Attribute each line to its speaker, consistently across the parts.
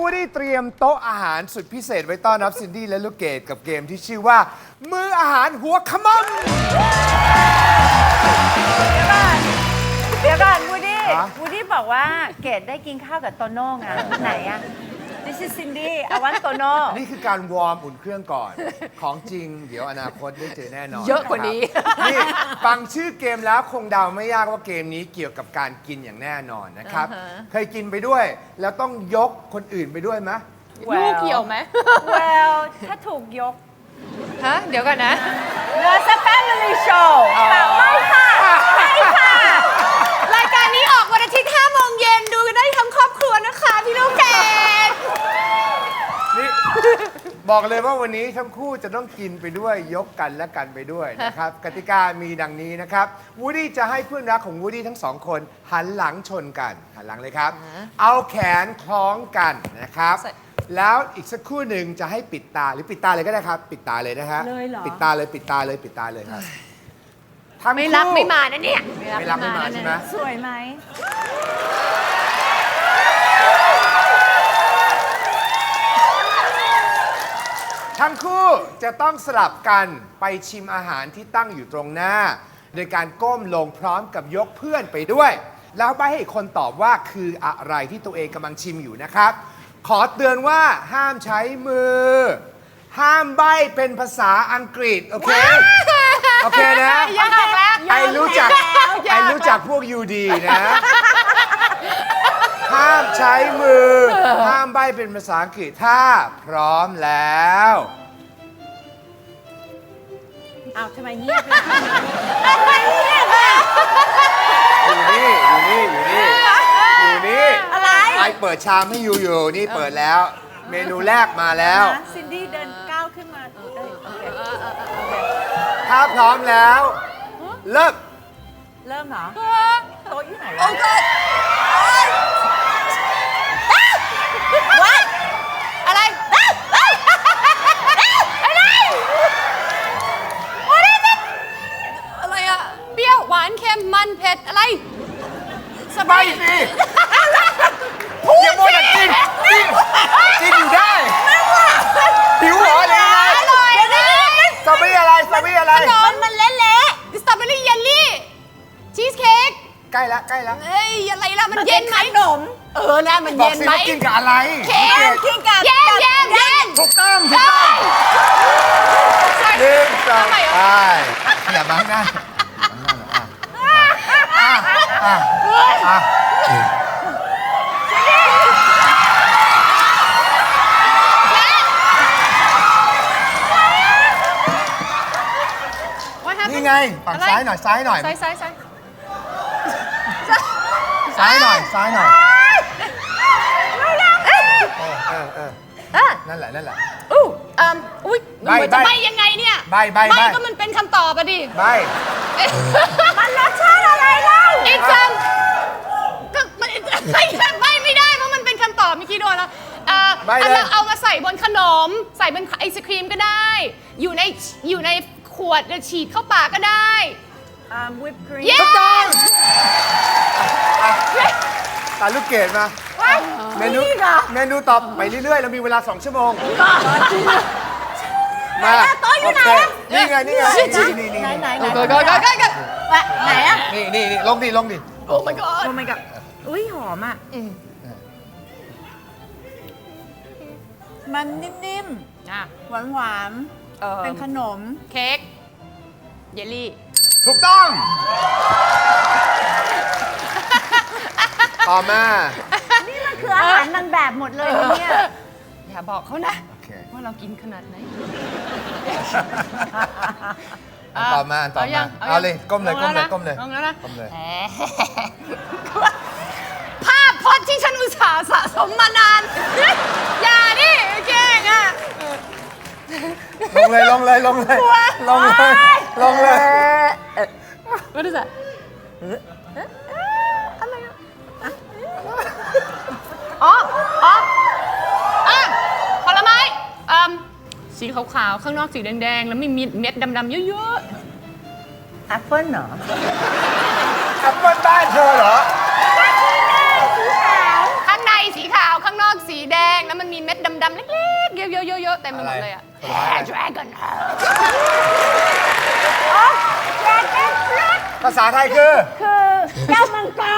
Speaker 1: วูดดี้เตรียมโต๊ะอาหารสุดพิเศษไว้ต้อนรับซินดี้และลูกเกดกับเกมที่ชื่อว่ามื้ออาหารหัวขมำ
Speaker 2: เดี๋ยวก่อนวูดดี้
Speaker 1: ฮะ
Speaker 2: วูดดี้บอกว่าเกดได้กินข้าวกับโตโน่ไงไหนอะ This is Cindy I want โตโน่
Speaker 1: นี่คือการวอร์มอุ่นเครื่องก่อน ของจริงเดี๋ยวอนาคตได้เจอแน่นอน
Speaker 3: เยอะกว่านี้
Speaker 1: ครับนี่ฟังชื่อเกมแล้วคงเดาไม่ยากว่าเกมนี้เกี่ยวกับการกินอย่างแน่นอนนะครับ เคยกินไปด้วย แล้วต้องยกคนอื่นไปด้วยไหม
Speaker 3: ลูกเกี่ยวไหม
Speaker 2: Well ถ้าถูกยก
Speaker 3: ฮะ เดี๋ยวก่อนนะ
Speaker 2: No it's a family show แต่ไม่ค่ะไม่ค่ะ
Speaker 3: รายการนี้ออกวันอาทิตย์5 โมงเย็นดูกันได้ทั้งครอบครัวนะคะพี่ลูกเกด
Speaker 1: นี่บอกเลยว่าวันนี้ทั้งคู่จะต้องกินไปด้วยยกกันและกันไปด้วยนะครับ กติกามีดังนี้นะครับวูดดี้จะให้เพื่อนรักของวูดดี้ทั้งสองคนหันหลังชนกันหันหลังเลยครับ เอาแขนคล้องกันนะครับ แล้วอีกสักครู่หนึ่งจะให้ปิดตาหรือปิดตาเลยก็ได้ครับ ปิดตาเลยนะฮะ
Speaker 2: เลยเหรอ
Speaker 1: ปิดตาเลยปิดตาเลยปิดตาเลยครับทั้ง
Speaker 3: ไม่
Speaker 1: คู่
Speaker 3: รับไม่มานะเนี่ย
Speaker 1: ไม่รับไม่มาใช่ไหม
Speaker 2: สวยไหม
Speaker 1: ทั้งคู่จะต้องสลับกันไปชิมอาหารที่ตั้งอยู่ตรงหน้า โดยการก้มลงพร้อมกับยกเพื่อนไปด้วย แล้วใบ้ให้อีกคนตอบว่าคืออะไรที่ตัวเองกำลังชิมอยู่นะครับ ขอเตือนว่าห้ามใช้มือ ห้ามใบ้เป็นภาษาอังกฤษ โอเค โอเคนะ
Speaker 3: ยากแล้ว
Speaker 1: ไอรู้จักไอรู้จักพวกยูดีนะ ห้ามใช้มือ ห้ามใบ้เป็นภาษาอังกฤษถ้าพร้อมแล้ว
Speaker 2: อ้าวทำไมเงียบล่ะทำไมเงียบล่ะ
Speaker 1: อยู่นี่อยู่นี่อยู่นี่อยู่นี่
Speaker 2: อะไร
Speaker 1: ไอเปิดชามให้อยู่อยู่นี่เปิดแล้ว เมนูแรกมาแล้ว
Speaker 2: ซินดี้เดินก้าวขึ้นมาโอเค
Speaker 1: ถ้าพร้อมแล้ว เริ่ม
Speaker 2: เริ่มเหรอโต๊ะอยู่ไหน
Speaker 3: โอ้
Speaker 2: วะ
Speaker 3: ก็วัดอะไรอะไรอะเปรี้ยวหวานเค็มมันเผ็ดอะไรส
Speaker 1: ไป
Speaker 3: บาย
Speaker 1: สิอย่ามัวแต่กินกินกินอยู่ได้หิวเหรอหรือยังไง
Speaker 3: อร่อยนะ
Speaker 1: สตรอเบอรี่อะไรสตรอเบอรี่อะไร
Speaker 3: ขนมมันเละๆสตรอเบอรี่เยลลี่ชีสเค้ก
Speaker 1: ใกล้ละใกล้ละ
Speaker 3: เอ้ยอะไรล่ะมันเย็นไหม
Speaker 2: ขนม
Speaker 3: นะมัน
Speaker 1: บอก
Speaker 3: เย็น
Speaker 1: สิ
Speaker 3: ไหม
Speaker 1: ว่ากินกับอะไร
Speaker 3: เค้ก
Speaker 2: กินกับ
Speaker 3: เย็นเย็นเย็น
Speaker 1: ถูกต้องถูกต้องหนึ่งสอง
Speaker 3: ทำไม
Speaker 1: ไป
Speaker 3: อ่ะ
Speaker 1: อย่าบังหน้าอ่ะ นี่ไงฝั่งซ้ายหน่อยซ้ายหน่อย
Speaker 3: ซ้าย
Speaker 1: ซ้ายหน่อยซ้ายหน่อยนั่นแหละนั่นแหละ
Speaker 3: อุ้ย
Speaker 1: ใบ้
Speaker 3: มันจะ
Speaker 1: ใบ้
Speaker 3: ใบยังไงเนี่ย
Speaker 1: ใบ้ใบ้ใบ้
Speaker 3: ก็มันเป็นคำตอบอะดิ
Speaker 1: ไป
Speaker 2: มันรสชาติอะไรเล่า
Speaker 3: อีกคำก็มันใบไม่ได้เพราะมันเป็นคำตอบเมื่อกี้โดนแล้วเอามาใส่บนขนม ใส่บนไอศครีมก็ได้ อยู่ในขวดฉีดเข้าปากก็ได้
Speaker 2: วิปครีม
Speaker 3: เย้
Speaker 1: ถูกต้องตาลูกเกดมา เมนูตอบไปเรื่อยๆ เรามีเวลา 2 ชั่วโมง มาโอเคนี่ไงนี่ไงนี่
Speaker 2: ไหน
Speaker 3: ก็
Speaker 2: ไหนอะ
Speaker 1: นี่ลงดิ
Speaker 3: โอ้ my god
Speaker 2: โอ้ my god อุ้ยหอมอ่ะมันนิ่มๆ หวานๆ เป็นขนม
Speaker 3: เค้กเยลลี่
Speaker 1: ถูกต้อง ต่อมา
Speaker 2: นี่มันคืออาหารนางแบบหมดเลยนะเนี่ย
Speaker 3: อย่าบอกเขานะ
Speaker 1: โอเค
Speaker 3: ว่าเรากินขนาดไหน
Speaker 1: ต่อมาเอาเลยก้มเลย
Speaker 3: ลงแล้วนะ
Speaker 1: ก้มเลย
Speaker 3: ลงแล้วนะ
Speaker 1: ก้มเลย
Speaker 3: ภาพพจน์ที่ฉันอุตส่าห์สะสมมานาน อย่าดิเก่งอ่ะ
Speaker 1: ลงเลย
Speaker 3: What is that อ๋อผลไม้สีขาวๆ ข้างนอกสีแดงๆ แล้วมีเม็ดดำๆ เยอะ
Speaker 2: แอปเปิ้ลเหรอ
Speaker 1: แอปเปิ้ลบ้านเธอเหรอ
Speaker 3: ๆ ข้างในสีขาว ข้างนอกสีแดงแล้วมันมีเม็ดดำๆเล็กๆเยอะๆๆๆเต็มไปหมดเลยอะ Dragon
Speaker 1: ภาษาไทยคือ
Speaker 2: คือแก้วมังกร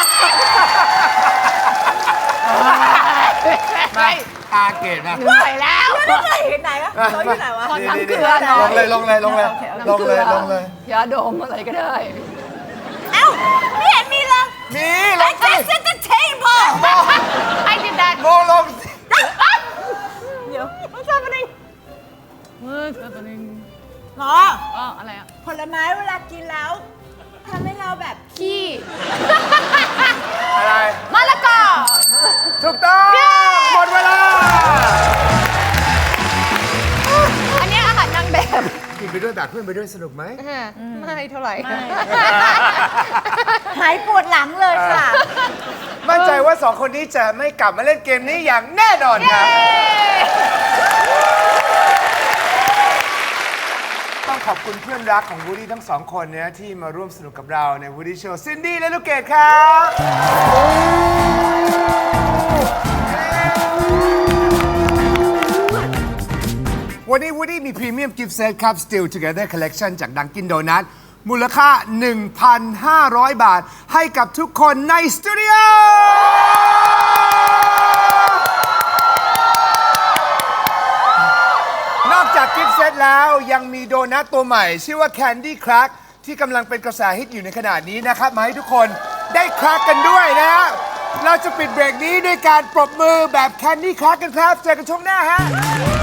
Speaker 1: มาตาเกตมา
Speaker 3: เหนื่อยแล้ว
Speaker 2: ไม่เคยเห็นไหนวะเขาอยู่ไหนวะ
Speaker 3: ขอน้ำเกลือห
Speaker 1: ล
Speaker 3: น่อย
Speaker 1: งเลยลงเลยลงเลยลงเลยลงเลย
Speaker 3: ยาดมอะไรก็ได้
Speaker 2: เอ้าไม่เห็นมีเลย
Speaker 1: มีลงสิ
Speaker 2: I set the table
Speaker 3: I did that
Speaker 1: ลงลงสิ
Speaker 2: เดี๋ยว
Speaker 3: What's happening What's happening
Speaker 2: หรอ
Speaker 3: อ๋ออะไรอะ
Speaker 2: ผลไม้เวลากินแล้วทำให้เราแบบ
Speaker 3: ขี้
Speaker 1: อะไร
Speaker 3: มะละกอ
Speaker 1: ถูกต้องหมดเวลา
Speaker 3: อันเนี้ยอาหารนางแบบ
Speaker 1: กินไปด้วยแบกเพื่อนไปด้วยสนุกไหม
Speaker 3: ไม่เท่าไหร่
Speaker 2: หายปวดหลังเลยค่ะ
Speaker 1: มั่นใจว่าสองคนนี้จะไม่กลับมาเล่นเกมนี้อย่างแน่นอนครับ ต้องขอบคุณเพื่อนรักของวูดดี้ทั้งสองคนนะที่มาร่วมสนุกกับเราในวูดดี้โชว์ซินดี้และลูกเกดครับ วันนี้วูดดี้มีพรีเมียมกิฟต์เซตครับ Still Together Collection จาก Dunkin' Donut มูลค่า 1,500 บาท ให้กับทุกคนในสตูดิโอ นอกจากกิฟต์เซตแล้วยังมีโดนัทตัวใหม่ ชื่อว่า Candy Crack ที่กำลังเป็นกระแสฮิตอยู่ในขณะนี้นะครับ มาให้ทุกคนได้ครากกันด้วยนะฮะ เราจะปิดเบรกนี้ด้วยการปรบมือแบบ Candy Crack กันครับ เจอกันช่วงหน้าฮะ